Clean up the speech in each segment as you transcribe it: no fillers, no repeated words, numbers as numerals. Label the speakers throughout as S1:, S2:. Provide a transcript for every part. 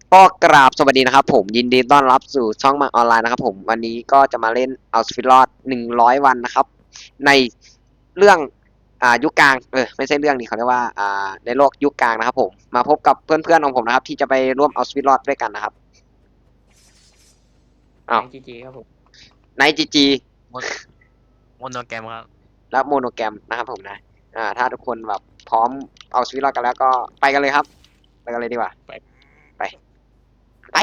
S1: ก็กราบสวัสดีนะครับผมยินดีต้อนรับสู่ช่องมาออนไลน์นะครับผมวันนี้ก็จะมาเล่นเอาชีวิตรอด100 วันนะครับในเรื่องยุคกลางไม่ใช่เรื่องนี้เขาเรียกว่าในโลกยุคกลางนะครับผมมาพบกับเพื่อนๆของผมนะครับที่จะไปร่วมเอาชีวิตรอดด้วยกันนะครับอ้าว
S2: ในจีจีครับผม
S1: ไนจีจี
S3: โมโมโนแกรมครับ
S1: และโมโนแกรมนะครับผมนะถ้าทุกคนแบบพร้อมเอาชีวิตรอดกันแล้วก็ไปกันเลยครับไปกันเลยดีกว่าไป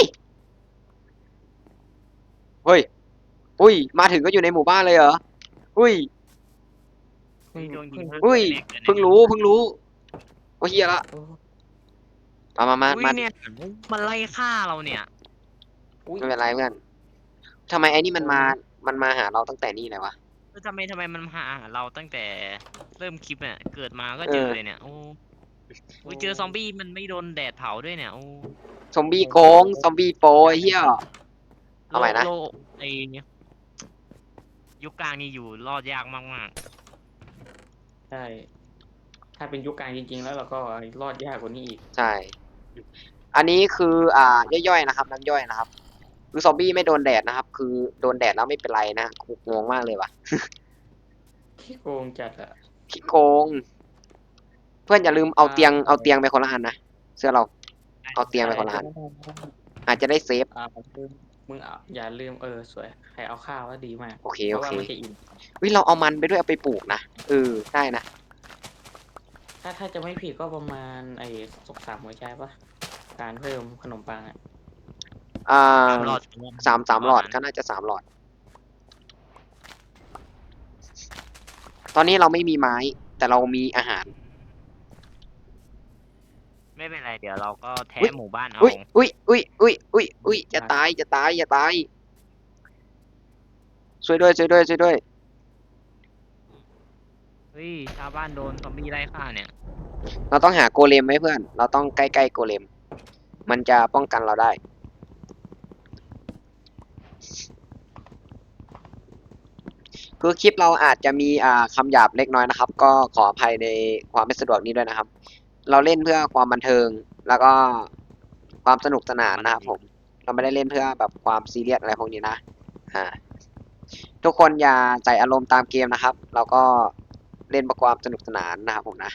S1: เฮ้ยอุ้ยมาถึงก็อยู่ในหมู่บ้านเลยเหรออุ้ย
S2: เพิ่ง
S3: โดนยิง
S1: อุ้ยเพิ่งรู้โอ้เฮียละ
S2: โอ้
S1: มา
S3: อุ้ยเนี่ยมันไล่ฆ่าเราเนี่ย
S2: อุ้ย
S1: ไม่เป็นไรเพื่อนทำไมไอ้นี่มันมาหาเราตั้งแต่นี่เลยวะ
S3: ทำไมมันมาหาเราตั้งแต่เริ่มคลิปเนี่ยเกิดมาก็
S1: เออ
S3: เจอเลยเนี่ยโอ้ยเจอซอมบี้มันไม่โดนแดดเผาด้วยเนี่ยโอ้
S1: ซอมบี้โกงซอมบี้โปรไอ้เฮียเอาใหม่นะ
S3: โลไอเนี่ยยุคกลางนี่อยู่รอดยากมาก
S2: ใช่ถ้าเป็นยุคกลางจริงๆแล้วเราก็รอดยากกว่านี้อีก
S1: ใช่อันนี้คือย่อยๆนะครับน้ำย่อยนะครับคือซอมบี้ไม่โดนแดดนะครับคือโดนแดดแล้วไม่เป็นไรนะกูงงมากเลยว่ะ
S2: ขี้โกงจัดอะ
S1: ขี้โกงเพื่อนอย่าลืมเอาเตียงไปคนละอันนะเสื้อเราเอาเตียงไปคนละอันอาจจะได้เซฟ
S2: ลืมมึงอย่าลืมสวยใครเอาข้าวว่าดีมาก
S1: โอเค
S2: เพ
S1: โอเค
S2: ราะว่ามันจะอิ่ม
S1: วิเราเอามันไปด้วยเอาไปปลูกนะได้นะ
S2: ถ้าจะไม่ผิดก็ประมาณ3 หัวใจปะการเพิ่มขนมปังอะ
S1: อ่
S3: ๆ
S1: า
S3: 3 หลอด
S1: สามหลอดก็น่าจะ3 หลอด ตอนนี้เราไม่มีไม้ แต่เรามีอาหาร
S3: ไม่เป็นไรเดี๋ยวเราก็แท้
S1: อุ้ย
S3: หมู่บ้านเอา
S1: อุ้ยจะตายอย่าตายช่วยด้วย
S3: เฮ้ยชาวบ้านโดนซอมบี้ไล่ฆ่าเนี่ย
S1: เราต้องหาโกเลมไหมเพื่อนเราต้องใกล้ๆโกเลมมันจะป้องกันเราได้คือคลิปเราอาจจะมีคำหยาบเล็กน้อยนะครับก็ขออภัยในความไม่สะดวกนี้ด้วยนะครับเราเล่นเพื่อความบันเทิงแล้วก็ความสนุกสนานนะครับผมเราไม่ได้เล่นเพื่อแบบความซีเรียสอะไรพวกนี้นะอ่าทุกคนอย่าใส่อารมณ์ตามเกมนะครับ เราก็เล่นเพื่อความสนุกสนานนะครับผมนะ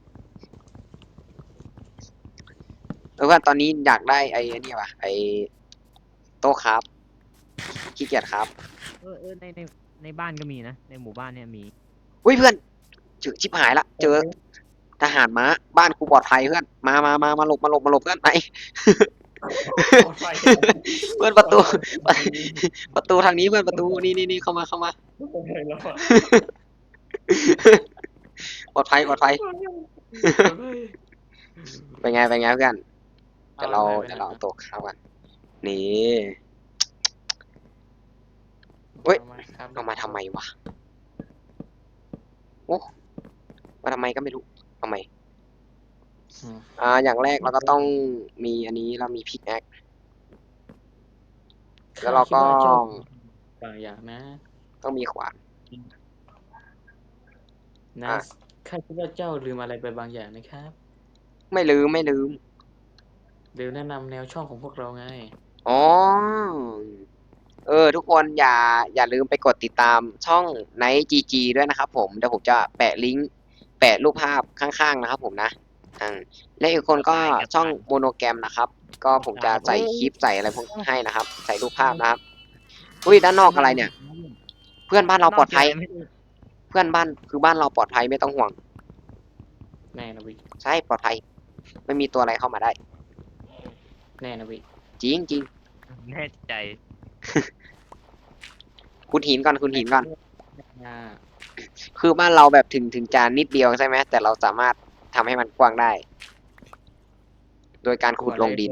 S1: เพื่อนตอนนี้อยากได้ไอ้นี่ว่ะไอ้โต๊ะครับขี้เกียจครับ
S3: ในบ้านก็มีนะในหมู่บ้านเนี่ยมี
S1: อุ้ยเพื่อนเจอชิบหายละเจอทหารม้าบ้านกูปลอดภัยเพื่อนมาหลบเพื่อนไหน
S2: ปลอดไฟ
S1: เพื่อนประตูประตูทางนี้เพื่อนประตูนี่เข้ามา
S2: แล้วอะ
S1: ปลอดภัยเป็นไงเพื่อนเดี๋ยวเราเอาโต๊ะข้าวกันนี่เฮ้ยเอามาทำไมวะโอ้มาทำไมก็ไม่รู้ทำไมอย่างแรกเราก็ต้องมีอันนี้เรามีพิกแอคแล้วเราก็
S2: บางอย่างนะ
S1: ต้องมีขวาน
S2: นะข้าคิดว่าเจ้าลืมอะไรไปบางอย่างนะครับ
S1: ไม่ลืม
S2: เดี๋ยวแนะนำแนวช่องของพวกเราไง
S1: อ๋อทุกคนอย่าลืมไปกดติดตามช่อง Night GG ด้วยนะครับผมเดี๋ยวผมจะแปะลิงก์แปะรูปภาพข้างๆนะครับผมนะและอีกคนก็ช่องโมโนแกรมนะครับก็ผมจะใส่คลิปใส่อะไรพวกให้นะครับใส่รูปภาพนะครับอุ้ยด้านนอกอะไรเนี่ยเพื่อนบ้านเราปลอดภัยเพื่อนบ้านคือบ้านเราปลอดภัยไม่ต้องห่วง
S2: แน่นะวิ
S1: ใช่ปลอดภัยไม่มีตัวอะไรเข้ามาได้
S2: แน่นะวิ
S1: จริง
S3: แน่ใจ
S1: คุณหินก่อน
S2: อ่า
S1: คือบ้านเราแบบถึงจานนิดเดียวใช่ไหมแต่เราสามารถทำให้มันกว้างได้ โดยการขุดลงดิน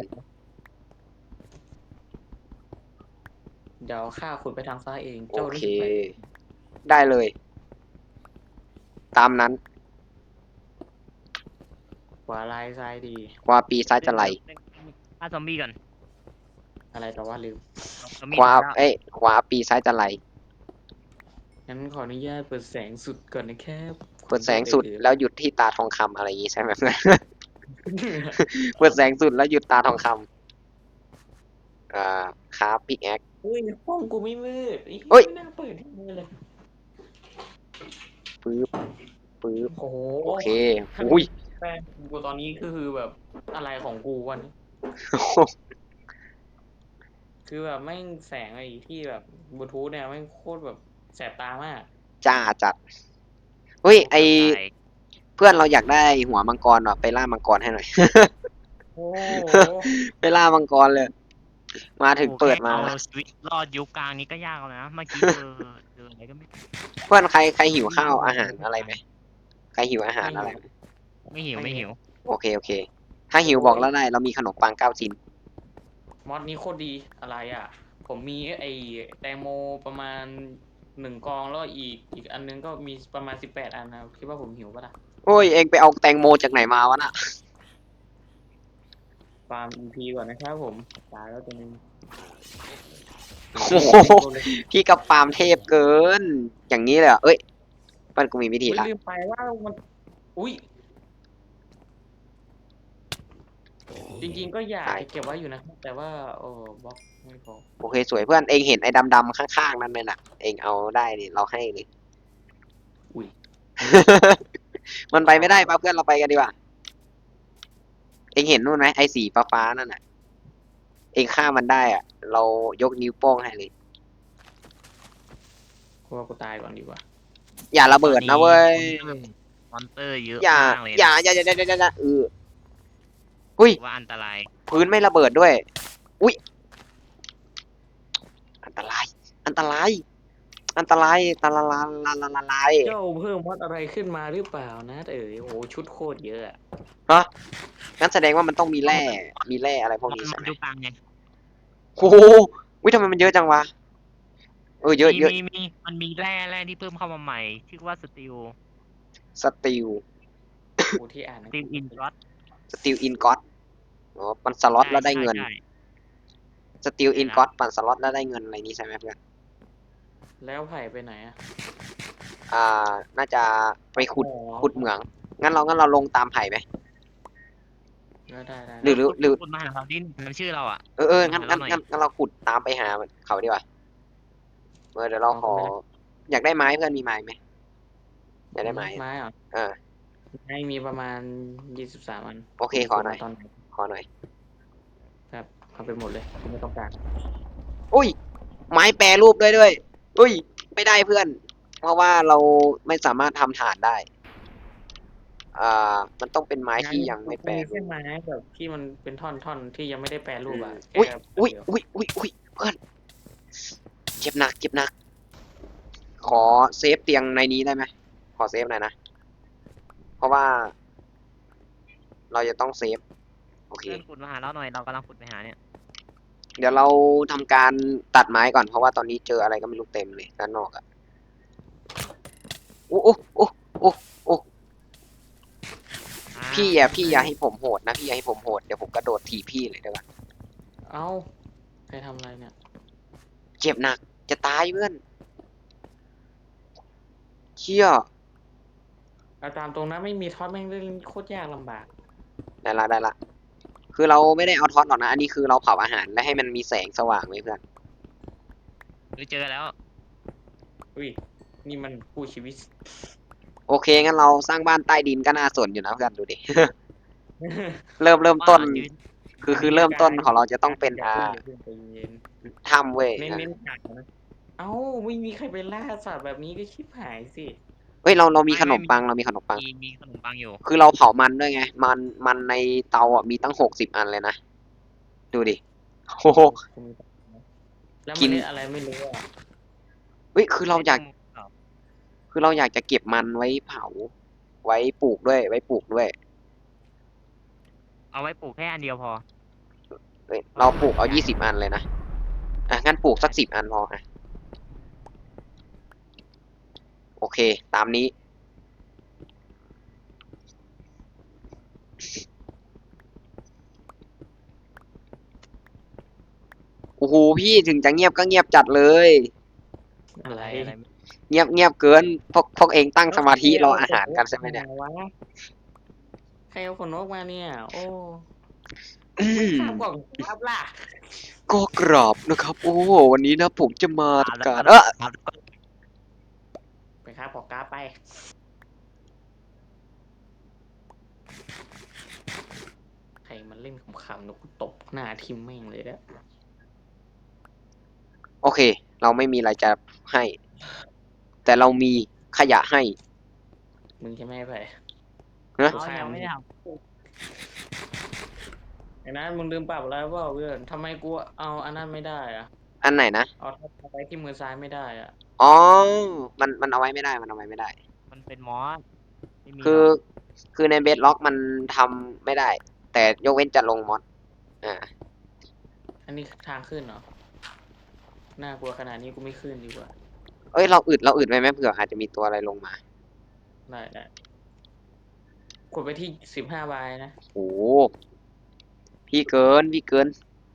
S2: เดี๋ยวข้าขุดไปทางซ้ายเอง
S1: โอ
S2: เจ้า
S1: เค
S2: รีบไป
S1: ได้เลย ตามนั้น
S2: ขวาลายซ้ายดี
S1: ขวาปีซ้ายจะไหล
S3: ฆ่าซอมบี้ก่อน
S2: อะไรแต่ว่าลืม
S3: ซอมบี้
S1: ขวา
S3: แล้ว
S1: ขวาปีซ้ายจะไหล
S2: งั้นขออนุญาตเปิดแสงสุดก่อนนะครับ
S1: เปิดแสงสุดแล้วหยุดที่ตาทองคำอะไรอย่างงี้ใช่ไหมเพื่อน เปิดแสงสุดแล้วหยุดตาทองคคราฟพิกแอค
S2: อุ้ยห้องกูไม่มืดไอ้
S1: เฮ้ย
S2: ไม่น่าเปิดให้มืดเลย
S1: ปึ๊บปึ๊บ
S2: โอ้โห
S1: โอเคอุ้ย
S2: แฟนกูตอนนี้ก็คือแบบอะไรของกูวันนี้คือแบบแม่งแสงไอ้ที่แบบบลูทูธเนี่ยแม่งโคตรแบบแสบตามาก
S1: จ้าจัดเฮ้ยไอ
S3: ตาย
S1: เพื่อนเราอยากได้หัวมังกรว่ะไปล่ามังกรให้หน่อย
S2: โอ้โห
S1: ไปล่ามังกรเลย มาถึง
S3: โอ้
S1: เปิดมา
S3: แค่เอาชีวิตรอดยุคกลางนี้ก็ยากแล้วนะเมื่อกี้เจออะไรก็ไม่
S1: เพื่อนใครหิวข้าวอาหารอะไรไหมใครหิวอาหารอะไรไหม
S3: ไม่หิวไม่หิว
S1: โอเค ถ้าหิวบอกแล้วได้ เรามีขนมปัง9 ชิ้น
S2: มอดนี้โคตรดีอะไรอ่ะ ผมมีไอ้แตงโมประมาณ1 กองแล้วอีกอันนึงก็มีประมาณ18 อันนะคิดว่าผมหิวปะล่ะ
S1: โอ้ยเองไปเอาแตงโมจากไหนมาวะน่ะ
S2: ฟาร์ม EP ก่อนนะครับผมตายแล้วตัวนึง
S1: โอ้โห พี่กับฟาร์มเทพเกิน อย่างนี้เลยเหรอเอ้ยมันกูมีวิธี
S2: อุ๊ย
S1: ละ
S2: ลืมไปว่ามันอุ้ยจริงๆก็อยากจะเก็บไว้อยู่นะครับแต่ว่าบล็อกไม่พอ
S1: โอเคสวยเพื่อนเองเห็นไอ้ดำๆข้างๆนั่นไหมน่ะ เองเอาได้ดิเราให้เลย
S2: อุ้ย
S1: มันไปไม่ได้ป่ะเพื่อนเราไปกันดีกว่า เองเห็นนู่นไหมไอ้สีฟ้าๆนั่นน่ะ เองฆ่ามันได้อ่ะ เรายกนิ้วโป้งให้เลย
S2: กูว่ากูตายก่อนดีกว่า
S1: อย่าระเบิดนะเว้ย
S3: มอนเตอร์เยอะ
S1: อย่าม
S3: ากเลย
S1: อย่าอุ้ย
S3: ว่าอันตราย
S1: พื้นไม่ระเบิดด้วย อุ้ย อันตราย อันตราย อันตรายตะละลาลาลาลาลาย
S2: เจ้าเพิ่มมอดอะไรขึ้นมาหรือเปล่านะโอ้โหชุดโคตรเยอะอะ
S1: ฮะงั้นแสดงว่ามันต้องมีแร่ มีแร่อะไรพวกนี้
S3: มั
S1: ใช่ไหม
S3: ยุคกลางไง
S1: โอ้โหวิทำไมมันเยอะจังวะ เยอะ
S3: มีมันมีแร่ที่เพิ่มเข้ามาใหม่ชื่อว่าสตีล
S1: สตีล
S2: กูที่อ่าน
S3: สตีลอินรัต
S1: สตีลอินก็อตอ๋อปั่นสล็อตแล้วได้เงิน สตีลอินก็อตปั่นสล็อตแล้วได้เงินอะไรนี้ใช่ไหมเพื่อน
S2: แล้วไผ่ไปไหนอะ
S1: น่าจะไปขุด
S2: อ๋อ
S1: เหมือง งั้นเราลงตามไผ่ไหม
S2: ได้
S1: หรือ
S3: คนมาหาเราดิมันชื่อเราอ่ะ
S1: งั้น
S3: หาเราหน่อย
S1: เราขุดตามไปหาเขาดีกว่าเดี๋ยวเราขอ อยากได้ไม้เพื่อนมีไม้ไหมอยากได้ไม้
S2: ไม้เหรอ
S1: เออ
S2: ไม้มีประมาณ23 อัน
S1: โอเคขอหน่อย
S2: ตอนไหน
S1: ขอหน่อย
S2: ครับเอาไปหมดเลยกูไม่ต้องการ
S1: อุ้ย ไม้แปรรูปด้วยอุ้ย ไม่ได้เพื่อน เพราะว่าเราไม่สามารถทำฐานได้ มันต้องเป็นไม้ที่ยังไม่แปร
S2: มี
S1: รู
S2: แค่
S1: ป
S2: ไม้แบบที่มันเป็นท่อนที่ยังไม่ได้แปรรูปอะ
S1: อุ้ย
S2: แค่
S1: อุ้ย
S2: เดีว
S1: อุ้ยเพื่อนเจ็บหนัก ขอเซฟเตียงในนี้ได้ไหม ขอเซฟหน่อยนะ เพราะว่า เราจะต้องเซฟ โอเค
S3: เพื่อนขุดมาหาเราหน่อยเรากำลังขุดไปหาเนี่ย
S1: เดี๋ยวเราทำการตัดไม้ก่อนเพราะว่าตอนนี้เจออะไรก็ไม่รู้เต็มเลยด้านนอกอะโอ้พี่อย่าให้ผมโหดนะพี่อย่าให้ผมโหดเดี๋ยวผมกระโดดถีบพี่เลยเดี๋ยวก่อน
S2: เอ้าใครทำอะไรเนี่ย
S1: เจ็บหนักจะตายเพื่อนเชี่ย
S2: เอาตามตรงนั้นไม่มีท็อตแม่งเล่นโคตรยากลำบาก
S1: ได้ละคือเราไม่ได้เอาท็อตหรอกนะอันนี้คือเราเผาอาหารและให้มันมีแสงสว่างไว้เพื่อน
S3: เจอแล้ว
S2: อุ้ยนี่มันกู้ชีวิต
S1: โอเคงั้นเราสร้างบ้านใต้ดินก็น่าสนอยู่นะเพื่อนดูดิ เริ่มต้น คือเริ่มต้นของเราจะต้องเป็นถ้ำเว้ย
S2: เน้นฉากนะเอ้าไม่มีใครไปล่าสัตว์แบบนี้ก็ชิบหายสิ
S1: เฮ้ยเรามีขนมปังเรามีขนมปัง
S3: มีขนมปังอยู่
S1: คือเราเผามันด้วยไง มันในเตาอ่ะมีตั้ง60 อันเลยนะ ดูดิ โอ้โห
S2: แล้ว
S1: กิ
S2: มัน
S1: น
S2: เล่นอะไรไม่รู้อ่ะ
S1: เฮ้ย คือเราอยากจะเก็บมันไว้เผา ไว้ปลูกด้วย
S3: เอาไว้ปลูกแค่อันเดียวพอ
S1: เฮ้ย เราปลูกเอา20 อันเลยนะ งั้นปลูกสัก10 อันพออ่ะ โอเค ตามนี้ โอ้โหพี่ถึงจะเงียบก็เงียบจัดเลย
S2: อะไร
S1: เงียบเกินพวกเองตั้งสมาธิรออาหารกันใช่ไหมเนี่ย
S2: ใครเอาขนนกมาเนี่ย โอ้
S1: อืม
S2: ข้ามกล่องครับล่ะ
S1: ก็กราบนะครับ โอ้โหวันนี้นะผมจะมาทำการ
S2: ไปครับขอกราฟไปใครมันเล่นขำๆนกตบหน้าทิมแม่งเลยนะ
S1: โอเค เราไม่มีอะไรจะให้ แต่เรามีขยะให้
S2: มึงใช่ไหมไอ้ไผ่
S1: นะ
S3: เอายังไม่ได้ท
S2: ไอ้นั้นมึงลืมปรับอะไรเปล่าเพื่อนทำไมกูเอาอันนั้นไม่ได้อะ
S1: อันไหนนะ
S2: เอาทับไว้ที่มือซ้ายไม่ได้อะ
S1: อ๋อ มันเอาไว้ไม่ได้ มันเอาไว้ไม่ได้
S3: ำมันเป็นมอสไม่มี
S1: คื
S3: ห
S1: อ
S3: รอก
S1: คือในเบสล็อกมันทำไม่ได้ แต่ยกเว้นจะลงมอดอ่า
S2: อันนี้ทางขึ้นเหรอน่ากลัวขนาดนี้กูไม่ขึ้นดีกว่า
S1: เอ้ย เราอึดไว้ไหมเผื่ออาจจะมีตัวอะไรลงมา
S2: ได้กดไปที่15 ใบนะ
S1: โอ้โหพี่เกิน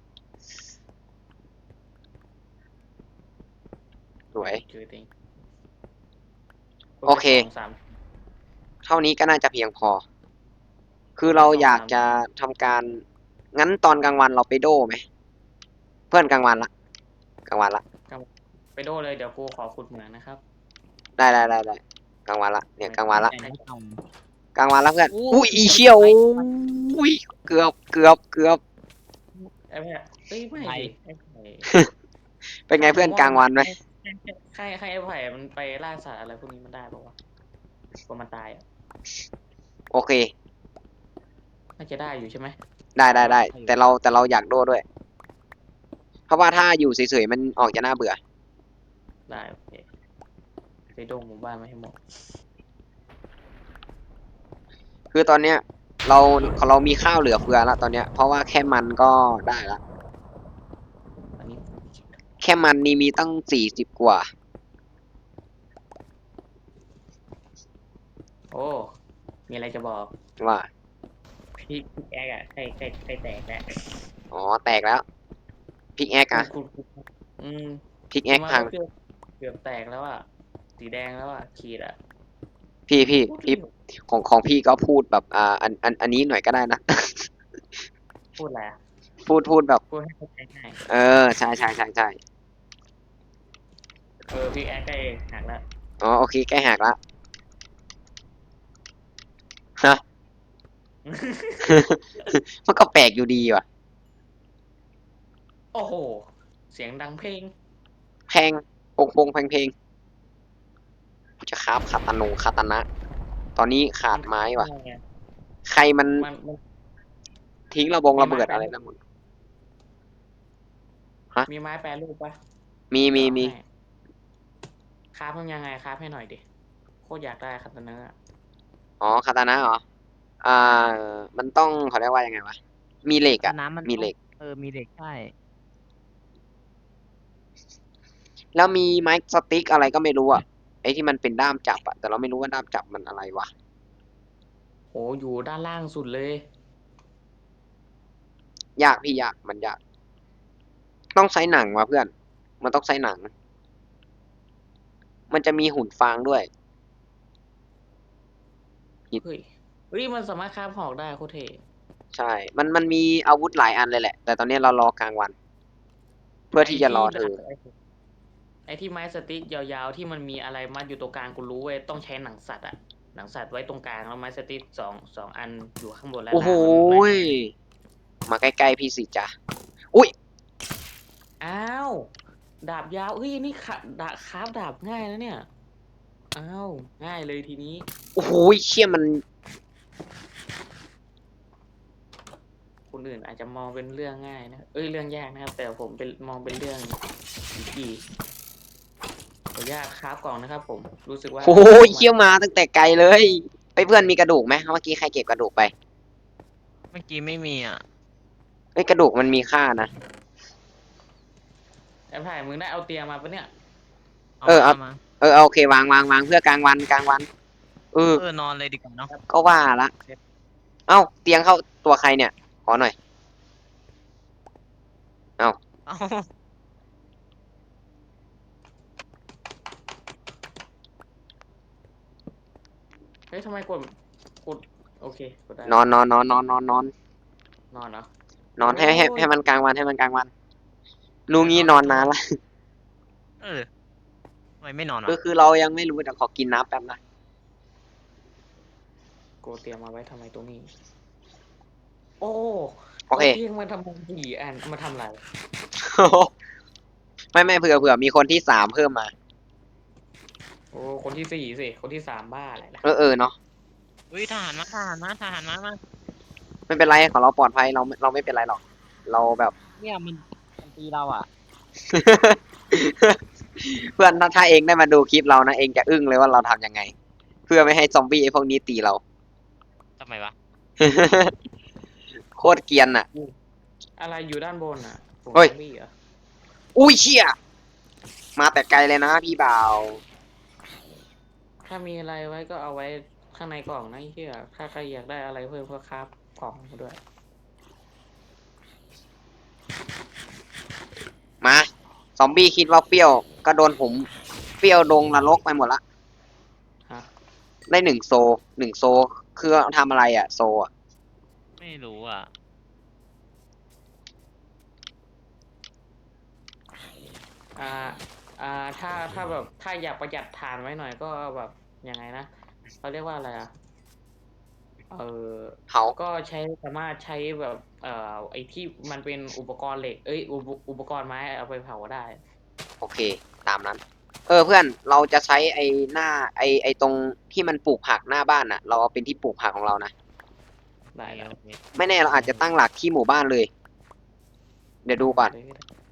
S1: สวย
S2: เจอเอง
S1: โอเค
S2: กดไป2 3
S1: เท่านี้ก็น่าจะเพียงพอ คือเราอยากจะทำการ งั้นตอนกลางวันเราไปโดไหม เพื่อนกลางวันละ
S2: ไปโดเลยเดี๋ยวกูขอขุดเหมืองนะครับ
S1: ได้กลางวันละ เนี่ยกลางวันละ
S3: แต่ไม่ท
S1: กลางวันละเพื่อน
S3: อู้
S1: อุ้ยอีเชี่ยวอุ้ย เกือบ
S2: ไอ้แพะเอ้ยไม่ดิไอ้ไผ่
S1: เป็นไงเพื่อนกลางวันไหม
S2: ให้ไอ้ไผ่มันไปล่าสัตว์อะไรพวกนี้มันได้ปะวะกลัวมันตายอ่ะ
S1: โอเค
S2: น่าจะได้อยู่ใช่ไหม
S1: ได้ แต่เราอยากโดด้วย เพราะว่าถ้าอยู่เฉยๆมันออกจะน่าเบื่อ
S2: ได้โอเคไปโดงหมู่บ้านมาให้หมด
S1: คือตอนเนี้ยเรามีข้าวเหลือเฟือแล้วตอนเนี้ย เพราะว่าแค่มันก็ได้ละ
S2: อันนี้
S1: แค่มันนี่มีตั้ง40 กว่า
S2: โอ้มีอะไรจะบอก
S1: ว่า
S2: พี่แอ๊กอะใครแตกแหละ
S1: อ๋อ แตกแล้ว พิกแอคอะ
S2: คุณอืม
S1: พิกแอค
S2: มา
S1: พัง
S2: เกือบแตกแล้วอ่ะสีแดงแล้วอ่ะขีดอ่ะ
S1: พี่ของพี่ก็พูดแบบอันนี้หน่อยก็ได้นะ
S2: พูดอะไรอะ
S1: พูดแบบ
S2: พูดให้เข้าใจง่าย
S1: เออ ใช่
S2: พี่แอ๊กได้หักแล้ว
S1: อ๋อ โอเค ใกล้หักละฮะ มันก็แปลกอยู่ดีว่ะ
S2: โอ้โห เสียงดังเพลง
S1: แพงพงเพลงจะคราบคาตานะ ตอนนี้ขาดไม้ว่ะ ใครมัน
S2: มัน
S1: ทิ้งระเบิดอะไรนะมึง
S2: มีไม้แปรรูปปะ
S1: มี
S2: เดี๋ยวเอาให้คราฟมันยังไงคราฟให้หน่อยดิ โคตรอยากได้คาตานะอะ
S1: อ๋อ คาตานะเหรอ มันต้องเขาเรียกว่ายังไงวะ มีเหล็กอะ
S3: น้ำมัน
S1: มีเหล็ก
S3: มีเหล็กใช่
S1: แล้วมีไม้สติ๊กอะไรก็ไม่รู้อะไอ้ที่มันเป็นด้ามจับอะแต่เราไม่รู้ว่าด้ามจับมันอะไรวะ
S2: โหอยู่ด้านล่างสุดเลย
S1: ยากพี่ยากมันยาก ต้องใช้หนังวะเพื่อน มันต้องใช้หนัง มันจะมีหุ่นฟางด้วย
S2: เฮ้ยมันสามารถคราฟหอกได้โคตรเท่
S1: ใช่ มันมีอาวุธหลายอันเลยแหละ แต่ตอนนี้เรารอกลางวัน เพื่อที่จะรอเธอ
S2: ไอ้ที่ไม้สติ๊กยาวๆที่มันมีอะไรมัดอยู่ตรงกลางกูรู้เว้ยต้องใช้หนังสัตว์อะหนังสัตว์ไว้ตรงกลางแล้วไม้สติ๊กสองอันอยู่ข้างบนและ
S1: โอ้โห
S2: ล่าง
S1: ยมาใกล้ๆพี่สิจ๊ะ อุ้ย
S2: อ้าวดาบยาวเฮ้ยนี่คราฟดาบง่ายนะเนี่ยอ้าวง่ายเลยทีนี้
S1: โอ้โหยเชี่ยมัน
S2: คนอื่นอาจจะมองเป็นเรื่องง่ายนะเรื่องยากนะครับ แต่ผมเป็นมองเป็นเรื่องอีขออนุญาตคราฟกล่องนะครับผมรู้สึกว่า
S1: โอ้ยเชี่ยวมาตั้งแต่ไกลเลยไปเพื่อนมีกระดูกไหมเมื่อกี้ใครเก็บกระดูกไป
S3: เมื่อกี้ไม่มีอ่ะ
S1: เอ้ยกระดูกมันมีค่านะ
S2: ไอ้ไผ่มึงได้เอาเตียงมาปะเนี่ย
S3: มา
S1: โอเควางเพื่อกลางวันเออ
S3: นอนเลยดีกว่าเนาะ
S1: ก็ว่าละ เอ้าเตียงเข้าตัวใครเนี่ย ขอหน่อย
S3: เอ้า
S2: เฮ้ยทำไมกดโอเคกดได้
S1: นอน
S2: นอนเหรอ
S1: นอนให้มันกลางวันให้มันกลางวันลุงงี้นอนนานละ
S3: เออทำไมไม่นอนวะ
S1: คือเรายังไม่รู้แต่ขอกินน้ำแป๊บนะ
S2: กูเตรียมมาไว้ทำไมตรงนี้ โอ้
S1: โอเค
S2: เที่ยงมาทำ4 อันมาทำอะไร
S1: ไม่เผื่อมีคนที่3เพิ่มมา
S2: โอ้คนที่ 4สิคนที่ 3บ้าอะไรล่ะ
S1: เออเนาะ
S3: เฮ้ยทหารมามา
S1: ไม่เป็นไรของเราปลอดภัยเราไม่เป็นไรหรอก เราแบบ
S3: เนี่ยมันตีเราอ่ะ
S1: เพื่อนถ้าเองได้มาดูคลิปเรานะเองจะอึ้งเลยว่าเราทำยังไง เพื่อไม่ให้ซอมบี้ไอ้พวกนี้ตีเรา
S3: ทำไมวะ
S1: โคตรเกรียนอ่ะ
S2: อะไรอยู่ด้านบนอ่ะผม
S1: เฮ้ย
S2: ซอมบี้เหรอ
S1: อุ้ยเชี่ยมาแต่ไกลเลยนะพี่บ่าว
S2: ถ้ามีอะไรไว้ก็เอาไว้ข้างในกล่องนะไอ้เหี้ยถ้าใครอยากได้อะไรเพิ่มก็ครับกล่องมาด้วย
S1: มาซอมบี้คิดว่าเปรี้ยวก็โดนผมเปรี้ยวดงนรกไปหมดละ
S2: ฮะ
S1: ได้1 โซคือทำอะไรอ่ะ โซอ่ะ
S3: ไม่รู้อ่ะ
S2: อ่า ถ้าแบบถ้าอยากประหยัดถ่านไว้หน่อยก็แบบยังไงนะเขาเรียกว่าอะไรอ่ะ
S1: เผา
S2: ก็สามารถใช้แบบไอ้ที่มันเป็นอุปกรณ์เหล็กอุปกรณ์ไม้เอาไปเผาได้
S1: โอเค ตามนั้น เพื่อนเราจะใช้ไอ้หน้าไอ้ตรงที่มันปลูกผักหน้าบ้านน่ะ เราเอาเป็นที่ปลูกผักของเรานะ
S2: ได้แล้ว
S3: โอเค
S1: ไม่แน่เราอาจจะตั้งหลักที่หมู่บ้านเลย เดี๋ยวดูก่อน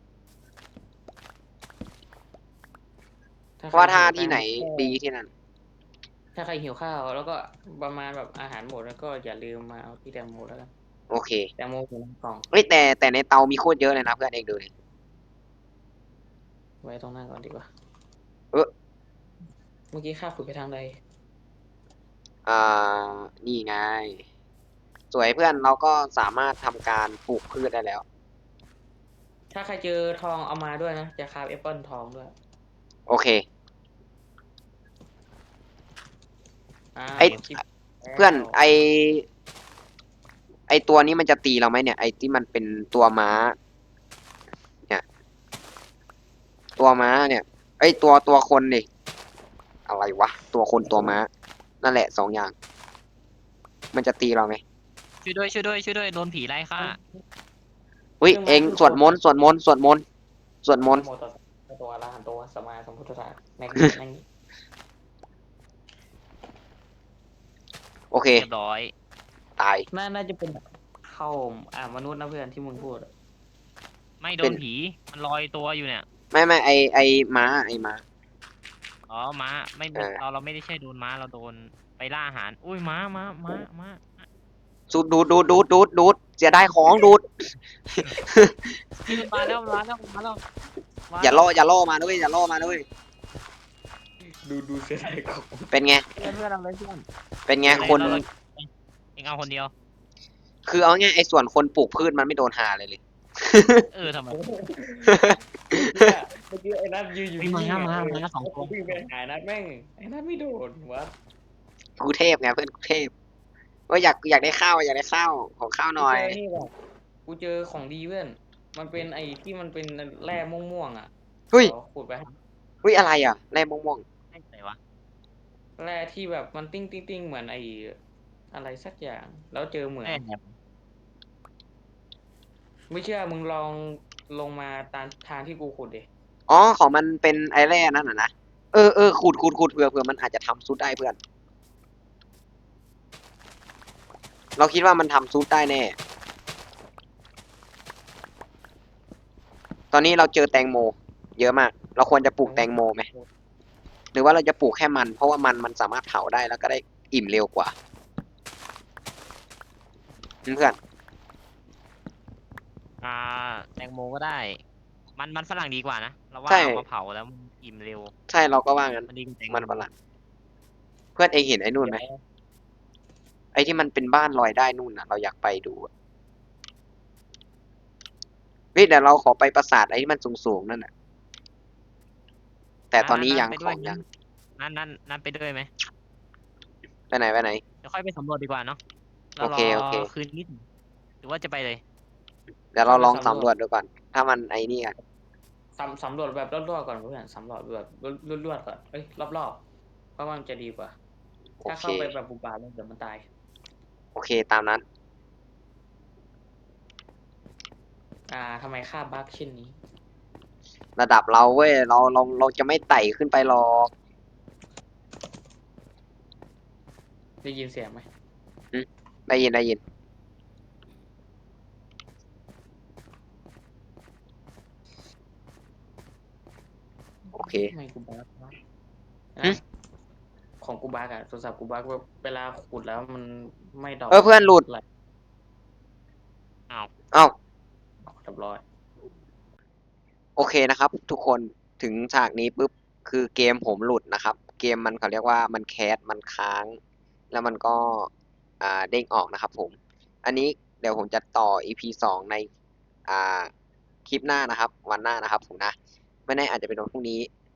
S1: ว่าถ้าที่ไหนดีที่นั่น
S2: ถ้าใครหิวข้าวแล้วก็ประมาณแบบอาหารหมดแล้วก็อย่าลืมมาเอาที่แตงโมแล้วกัน
S1: โอเค
S2: แตงโมอยู่ในกล่อง
S1: เฮ้ยแต่ในเตามีโคตรเยอะเลยนะเพื่อนเองดูดิ
S2: ไว้ตรงนั้นก่อนดีกว่า
S1: เออ
S2: เมื่อกี้ข้าขุดไปทางใด
S1: อ่านี่ไง สวยเพื่อนเราก็สามารถทำการปลูกพืชได้แล้ว
S2: ถ้าใครเจอทองเอามาด้วยนะจะคราฟแอปเปิลทองด้วย
S1: โอเค ไอ้
S2: คลิป
S1: เพื่อน
S2: แล้ว
S1: ไอตัวนี้มันจะตีเราไหมเนี่ย ไอที่มันเป็นตัวม้า เนี่ย ตัวม้าเนี่ย ไอตัวคนดิอะไรวะ ตัวคนตัวม้า นั่นแหละ2 อย่าง มันจะตีเราไหม
S3: ช่วยด้วยโดนผีไล่ฆ่า
S1: อุ้ยเองสวดมนต์
S2: โมตัสสะตัวอรหันโตสัมมาสัมพุทธัสสะแม่งแม่ง
S1: โอเค
S3: เรียบร้อย
S1: ตาย
S2: น่าจะเป็นเข้ามนุษย์นะเพื่อนที่มึงพูดอะ
S3: ไม่โด
S1: เป็น น
S3: ผี มันลอยตัวอยู่เนี่ย
S1: ไม่ไอม้า
S3: อ๋อม้าไม่
S1: เออ
S3: เราไม่ได้ใช่โดนม้าเราโดนไปล่าอาหาร อุ้ยม้า
S1: สูดดูดเสียได้ของดูด
S3: นี่มันมาแล้ว
S1: อย่าล่อมาด้วยอย่าล่อมาด้วย
S2: ดูเสียดายของ
S1: เป็นไง
S3: เพื่อนอะไรเพื่อน
S1: เป็นไงคน
S3: เองเอาคนเดียว
S1: คือเอาง่ายไอ้ส่วนคนปลูกพืชมันไม่โดนหาเลย
S3: ทำไม
S2: เมื่อกี้ไอ้นัทยืนอยู่
S3: มีม้า
S2: นิ่งๆ
S3: ม้า
S2: อะ
S3: ม้าสองตัว
S2: วิ่งไปหานัทแม่งไอ้นัทไม่โดนวะ
S1: กูเทพไงเพื่อนกูเทพว่าอยากได้ข้าวของข้าวหน่อย
S2: กูเจนี่แบบกูเจอของดีเพื่อนมันเป็นไอ้ที่มันเป็นแร่ม่วงๆอ่ะ
S1: เฮ้ย
S2: ขอขุดไปให้
S1: เฮ้ยอะไรอ่ะแร่ม่วง
S3: ไม่ไหนวะ
S2: แร่ที่แบบมันติ้งเหมือนไอ้อะไรสักอย่าง แล้วเจอเหมือน
S3: แม่เนี่ย
S2: ไม่เชื่อมึงลองลงมาตามทางที่กูขุดดิ
S1: อ๋อของมันเป็นไอแร่นั่นน่ะนะขุดเผื่อมันอาจจะทำซุปได้เพื่อน เราคิดว่ามันทำซุปได้แน่ ตอนนี้เราเจอแตงโม เยอะมาก เราควรจะปลูกแตงโมไหมหรือว่าเราจะปลูกแค่มัน เพราะว่ามันสามารถเผาได้แล้วก็ได้อิ่มเร็วกว่าเพื่อน
S3: แตงโมก็ได้ มันฝรั่งดีกว่านะเราว่า
S1: ใช่
S3: เอามาเผาแล้วมันอิ่มเร็ว
S1: ใช่เราก็ว่างั้น
S3: มันดีกว่าแตงโ
S1: มันฝรั่งเพื่อนเองเห็นไอ้นู่นไหมไอ้ที่มันเป็นบ้านลอยได้นู่นน่ะ เราอยากไปดูอะเฮ้ยเดี๋ยวเราขอไปปราสาทไอ้ที่มันสูงๆนั่นน่ะ แต่ตอนนี้ยัง
S3: ไป
S1: ข
S3: ด้วย
S1: องยัง
S3: นั่นไปด้วยไหม
S1: ไปไหน
S3: เดี๋ยวค่อยไปสำรวจดีกว่าเนาะเรา
S1: โอเค
S3: คืนนิดหรือว่าจะไปเลย
S1: เดี๋ยวเราลองสำรวจดูก่อน ถ้ามันไอ้นี่อ่ะ
S2: สำรวจแบบรอบๆก่อนเพื่อนสำรวจแบบรวดๆก่อนเอ้ยรอบๆเพราะว่ามันจะดีกว่า
S1: โอ
S2: ถ้า
S1: เค
S2: เข้าไปแบบบุบาแล้วเดี๋ยวมันตาย
S1: โอเคตามนั้น
S2: ทำไมค่าบั๊กเช่นนี้
S1: ระดับเราเว้ยเราจะไม่ไต่ขึ้นไปหรอก
S2: ได้ยินเสียงไหม
S1: ได้ยินได้ยิน โอเค
S2: ทำไมกูบั๊กวะ
S1: หึ
S2: ของกูบั๊กอะโทรศัพท์กูบั๊กเวลาขุดแล้วมันไม่ดอก
S1: เพื่อนหลุด
S2: ไหล
S1: เอ้า
S2: เรียบร้อย
S1: โอเคนะครับ ทุกคนถึงฉากนี้ปุ๊บคือเกมผมหลุดนะครับ เกมมันเขาเรียกว่ามันแคสมันค้าง แล้วมันก็เด้งออกนะครับผม อันนี้เดี๋ยวผมจะต่อ EP 2ในอ่าคลิปหน้านะครับ วันหน้านะครับผมนะ ไม่แน่อาจจะเป็นวันพรุ่งนี้